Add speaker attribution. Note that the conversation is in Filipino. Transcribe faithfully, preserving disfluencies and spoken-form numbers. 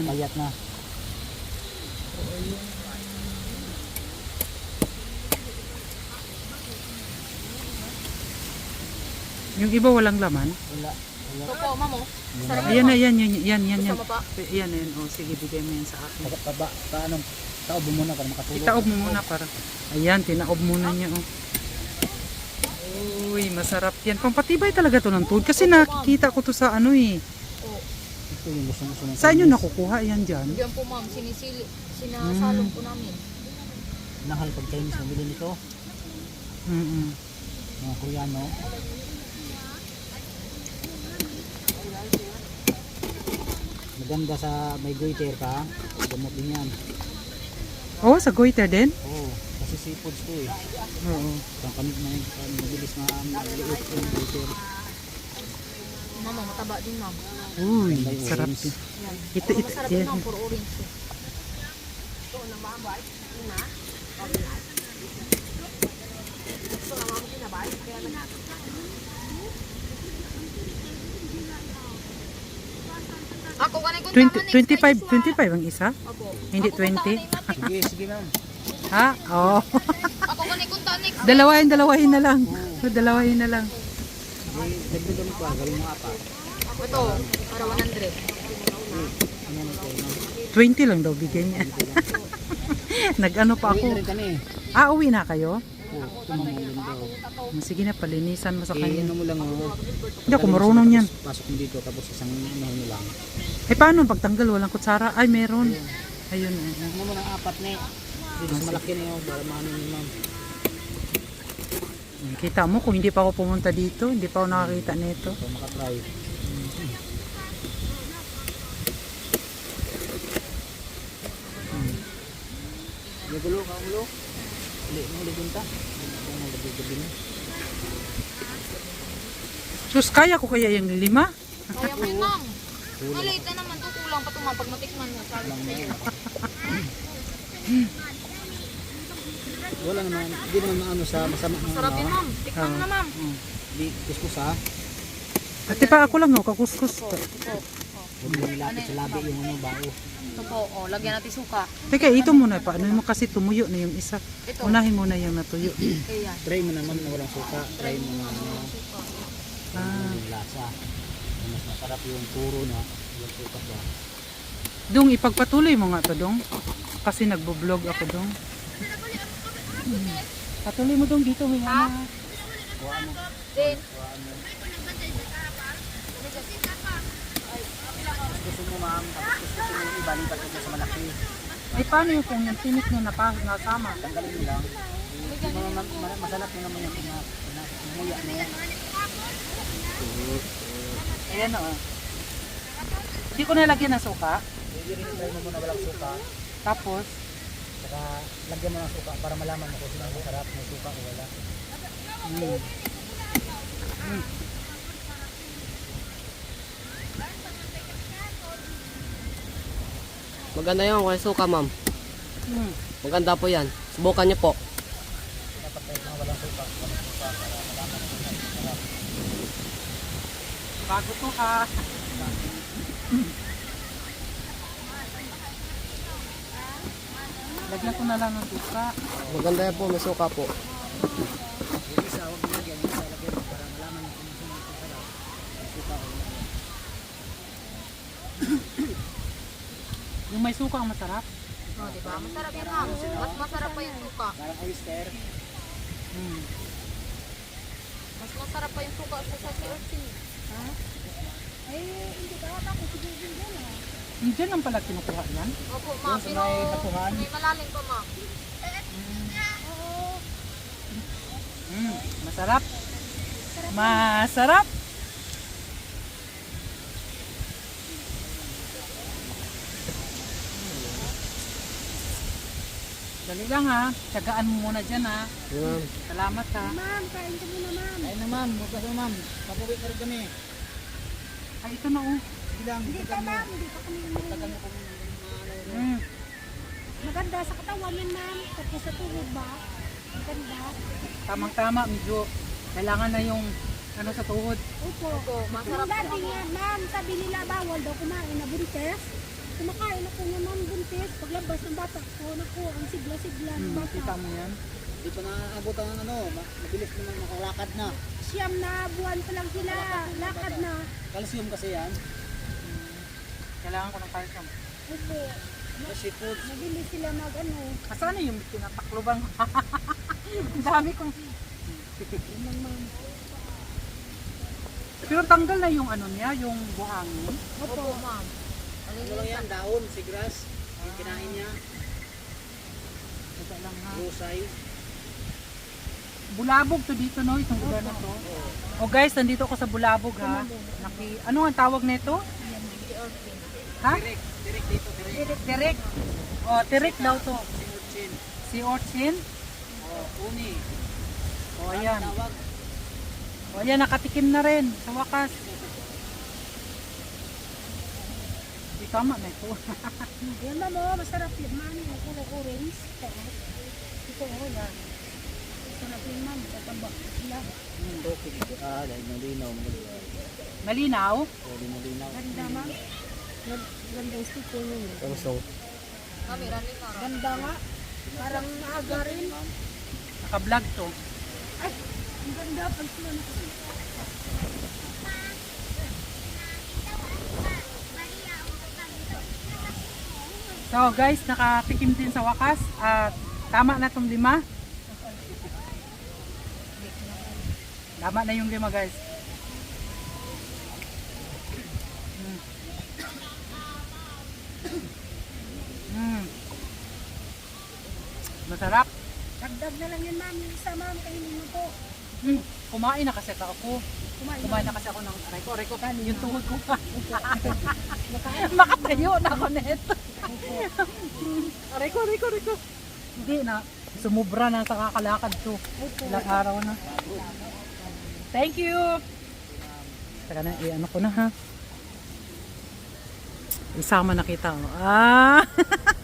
Speaker 1: Payat na.
Speaker 2: Yung iba walang laman.
Speaker 1: Wala. Wala.
Speaker 3: Ito po, mamo. Sarap
Speaker 2: Ayan
Speaker 3: mo.
Speaker 2: na, yan, yan, yan, yan, yan.
Speaker 3: Gusto mo pa?
Speaker 2: Yan, yan. O, sige, bigay mo yan sa akin.
Speaker 1: Pag, pa, paano? Taob mo muna para makatulog.
Speaker 2: Itaob mo muna para. Ayan, tinaob muna niya. Oh. Uy, masarap yan. Pampatibay talaga to ng tuhod. Kasi nakikita ko to sa ano eh.
Speaker 3: Oh.
Speaker 1: Ito yung gusto gusto ng
Speaker 2: Saan nyo nakukuha yan dyan?
Speaker 3: Diyan po, ma'am. Sinisili. Sinasalong po namin.
Speaker 1: Nahal pag Chinese nabili nito.
Speaker 2: Mm -mm.
Speaker 1: Mga Koreano. Maganda sa may goiter ka. Gamot din yan.
Speaker 2: Oh, sa goiter din?
Speaker 1: Oo. Kasi seafoods to eh.
Speaker 2: Oo.
Speaker 1: Pang kamig na mabilis na maliit yung goiter.
Speaker 3: Mama, mataba din, ma'am.
Speaker 2: Uy,
Speaker 1: Ganda yung
Speaker 2: sarap.
Speaker 1: orange.
Speaker 3: Yan.
Speaker 2: Ito, ito,
Speaker 3: Masarap
Speaker 2: yan.
Speaker 3: din, ma'am. Puro orange. eh. Ako kanay kung
Speaker 2: twenty,
Speaker 3: tama,
Speaker 2: twenty-five,
Speaker 3: next
Speaker 2: twenty-five ang isa?
Speaker 3: Opo.
Speaker 2: Hindi
Speaker 3: Ako
Speaker 2: twenty?
Speaker 3: kung tama, next.
Speaker 1: Sige, sige ma'am.
Speaker 2: Ha? Oo. Oh.
Speaker 3: Ako kanay kung tama, next.
Speaker 2: dalawahin, dalawahin na lang. Dalawahin na lang.
Speaker 1: Sige, dagdagan mo pa. Gawin mo apat.
Speaker 3: Ito, para one hundred.
Speaker 1: Ano yan ito ma'am?
Speaker 2: twenty lang daw bigyan niya. Nag-ano pa
Speaker 1: Uwi na
Speaker 2: ako.
Speaker 1: rin kami.
Speaker 2: Ah, uwi na kayo?
Speaker 1: Oo, tumamulin daw.
Speaker 2: Sige na, palinisan mo sa
Speaker 1: Eh,
Speaker 2: kanya.
Speaker 1: ano mo lang oh.
Speaker 2: Hindi ako marunong yan.
Speaker 1: Pasok mo dito tapos isang ano mo lang.
Speaker 2: Eh, paano pagtanggal? Walang kutsara? Ay, meron. Ayun. eh.
Speaker 1: Ano mo ng apat na eh. Dito sa malaki na yun para maano ni ma'am.
Speaker 2: Kita mo, kung hindi pa ako pumunta dito, hindi pa ako nakakita nito.
Speaker 1: Para makatry. Nagulo ka ulo. Hindi mo ligunta. Hindi mo gabi-gabi na.
Speaker 2: Sus, kaya ko kaya yung lima?
Speaker 3: Kaya mo yun, ma'am. Maliit na naman to, kulang pa ito, ma'am. Pag matikman mo, sabi ko sa'yo.
Speaker 1: Wala naman, hindi naman maano sa masama ng
Speaker 3: Sarap yun,
Speaker 1: ano.
Speaker 3: ma'am. Tikman mo na, ma'am.
Speaker 1: Di kuskus ha.
Speaker 2: Ate pa ako lang, no, kakuskus.
Speaker 3: Ito, ito.
Speaker 1: Huwag mo nilapit sa labi yung ano bao.
Speaker 3: Ito po, oh, lagyan natin suka.
Speaker 2: Teka, ito muna pa. Ano mo kasi tumuyo na yung isa.
Speaker 3: Ito.
Speaker 2: Unahin mo na yung natuyo.
Speaker 3: Ayan.
Speaker 1: Try mo naman na walang suka. Try mo na ano,
Speaker 2: Ah.
Speaker 1: yung lasa. Mas masarap yung puro na walang suka ba.
Speaker 2: Dong, ipagpatuloy mo nga to, Dong. Kasi nagbo-vlog ako, Dong. Patuloy mo, Dong, dito. May
Speaker 3: Ha?
Speaker 2: ano.
Speaker 1: Kuha mo.
Speaker 3: Then,
Speaker 1: Kuha mo. Gusto mo ma'am, tapos gusto mo yung iba, lipat mo sa malaki.
Speaker 2: Ay, paano yung kung yung tinik niya napa, nasama?
Speaker 1: Tanggalin mo lang. Yung mga ma- ma- masarap yun naman yung pina- pina- pinamuya mo.
Speaker 2: Ayan o. Hindi ko nalagyan ng suka.
Speaker 1: Pwede rin try mo muna walang suka.
Speaker 2: Tapos,
Speaker 1: Saka lagyan mo ng suka para malaman mo kung sino ang masarap, may suka o wala.
Speaker 2: mm. Mm.
Speaker 4: Maganda yun, walang suka ma'am.
Speaker 2: Mm.
Speaker 4: Maganda po yan. Subukan niyo po.
Speaker 1: Dapat tayo mga walang suka, walang suka para malaman mo kung sino ang masarap.
Speaker 2: Bago to ha. Lagyan ko na lang ng suka.
Speaker 4: Maganda yan po, may suka po.
Speaker 1: Yung isa, huwag mo lagyan, yung isa lagyan mo para malaman mo kung sino ang masarap, may suka o wala.
Speaker 2: Yung may suka ang masarap.
Speaker 3: oh, diba? Masarap yan, ma'am. Mas masarap pa yung suka.
Speaker 1: Parang oyster.
Speaker 2: Mm.
Speaker 3: Mas masarap pa yung suka sa sa urchin. Ha?
Speaker 2: Diyan ang pala kinukuha yan.
Speaker 3: Opo, ma'am.
Speaker 1: Yung sa
Speaker 3: Pero
Speaker 1: may batuhan.
Speaker 3: may malalim pa, ma'am.
Speaker 2: Mm. Masarap. Masarap. Dali lang ha. Tiyagaan mo muna dyan ha.
Speaker 4: Yun, ma'am.
Speaker 2: Salamat ha.
Speaker 1: Ayun na ma'am, huwag ka na ma'am. Papuwi ka rin kami.
Speaker 2: Ay, ito na oh.
Speaker 1: Sige lang, hindi ka ma'am. Tagal mo kung
Speaker 2: Mm.
Speaker 5: Maganda sa katawan yan, ma'am. Tapos sa tuhod ba? Maganda.
Speaker 2: Tamang-tama, medyo kailangan na yung ano sa tuhod.
Speaker 5: Opo.
Speaker 3: Opo, masarap
Speaker 5: Yung dati
Speaker 3: po.
Speaker 5: nga, ma'am, sabi nila bawal daw kumain na buntes. Kumakain ako nga ma'am buntis. Paglabas ng bata ko, naku, ang sigla-sigla ng
Speaker 2: Hmm,
Speaker 5: bata.
Speaker 2: kita mo yan.
Speaker 1: Hindi pa naaabot ang ano, ma- mabilis naman makalakad na.
Speaker 5: Siyam na buwan pa lang sila. Lakad na.
Speaker 1: Calcium kasi yan.
Speaker 2: Kailangan ko ng calcium.
Speaker 5: Opo.
Speaker 1: Kasi food.
Speaker 5: Mabilis sila mag ano.
Speaker 2: Asan na yung tinatakloban? Ang dami kong...
Speaker 5: Ma'am, ma'am.
Speaker 2: Pero tanggal na yung ano niya, yung buhangin.
Speaker 3: Opo, ma'am.
Speaker 1: Ano lang yan, daon, sigras. Yung kinain niya,
Speaker 2: Ito lang ha.
Speaker 1: rusay.
Speaker 2: Bulabog to dito no, itong lugar na to. O guys, nandito ako sa Bulabog ha. Naki, ano ang tawag nito? Ha?
Speaker 1: Direk, direk dito, direk.
Speaker 2: Tirik. O, tirik daw to.
Speaker 1: Sinurchin.
Speaker 2: Si Orchin.
Speaker 1: Oh, uni.
Speaker 2: O, ayan.
Speaker 1: Tawag.
Speaker 2: O, ayan, nakatikim na rin sa wakas. Di tama na ito.
Speaker 5: Yan ma'am, oh, masarap yun ma'am. Yung kulay orange. Ito, oh. Ito, oh, yan. Masarap yun ma'am. Tataba sila.
Speaker 1: Hmm, okay. Ah, dahil malinaw.
Speaker 2: Malinaw.
Speaker 1: Pwede malinaw.
Speaker 5: Ganda ma'am. Ganda ganda yung sticker nyo.
Speaker 4: Tangsong.
Speaker 3: Kami, running na.
Speaker 5: Ganda nga. Parang maaga rin.
Speaker 2: Naka-vlog to.
Speaker 5: Ay, ang ganda. Pag sila nakasita.
Speaker 2: So guys, nakatikim din sa wakas. At tama na tong lima. Tama na yung lima guys. Mm. Mm. Masarap.
Speaker 5: Dagdag na lang yun ma'am. Yung isa ma'am. Kainin mo po.
Speaker 2: Mm. Kumain na kasi ako.
Speaker 5: Kumain.
Speaker 2: Kumain na kasi ako ng aray ko. Aray ko, yung tuhod ko pa. Makatayo na ako neto. Aray ko, aray ko, aray ko. Hindi na. Sumubra na sa kakalakad to. Ilang araw na. Thank you. Saka na, i-ano ko na ha. Isama na kita. Oh. Ah!